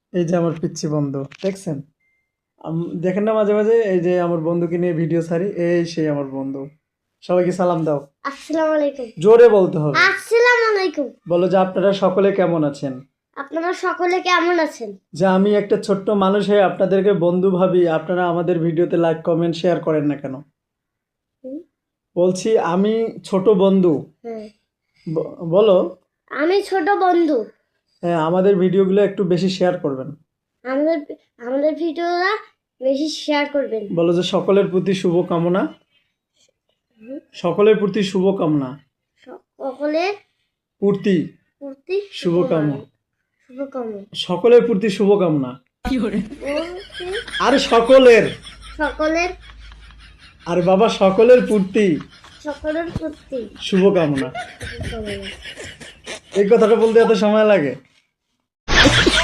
এই যে আমার পিচ্ছি বন্ধু দেখছেন? দেখেন না মাঝে মাঝে এই যে আমার বন্ধুকে নিয়ে ভিডিও ছাড়ি, এই সেই আমার বন্ধু। সবাইকে সালাম দাও। আসসালামু আলাইকুম। জোরে বলতে হবে। আসসালামু আলাইকুম। বলো যে আপনারা সকলে কেমন আছেন। আপনারা সকলে কেমন আছেন? যে আমি একটা ছোট্ট মানুষ হয়ে আপনাদেরকে বন্ধু ভাবি, আপনারা আমাদের ভিডিওতে লাইক কমেন্ট শেয়ার করেন না কেন? হুম? বলছি আমি ছোট বন্ধু। হ্যাঁ, বলো। আমি ছোট বন্ধু। হ্যাঁ, আমাদের ভিডিওগুলো একটু বেশি শেয়ার করবেন। আমাদের আমাদের ভিডিওটা বেশি শেয়ার করবেন। বলো যে সকলের প্রতি শুভ কামনা। হুম? সকলের প্রতি শুভ কামনা। সকলের প্রতি প্রতি শুভকামনা। শুভকামনা। সকলের প্রতি শুভকামনা। বলতে আরে সকলের, সকলের আরে বাবা সকলের প্রতি সকলের প্রতি শুভকামনা। শুভকামনা। এই কথাটা বলতে এত সময় লাগে?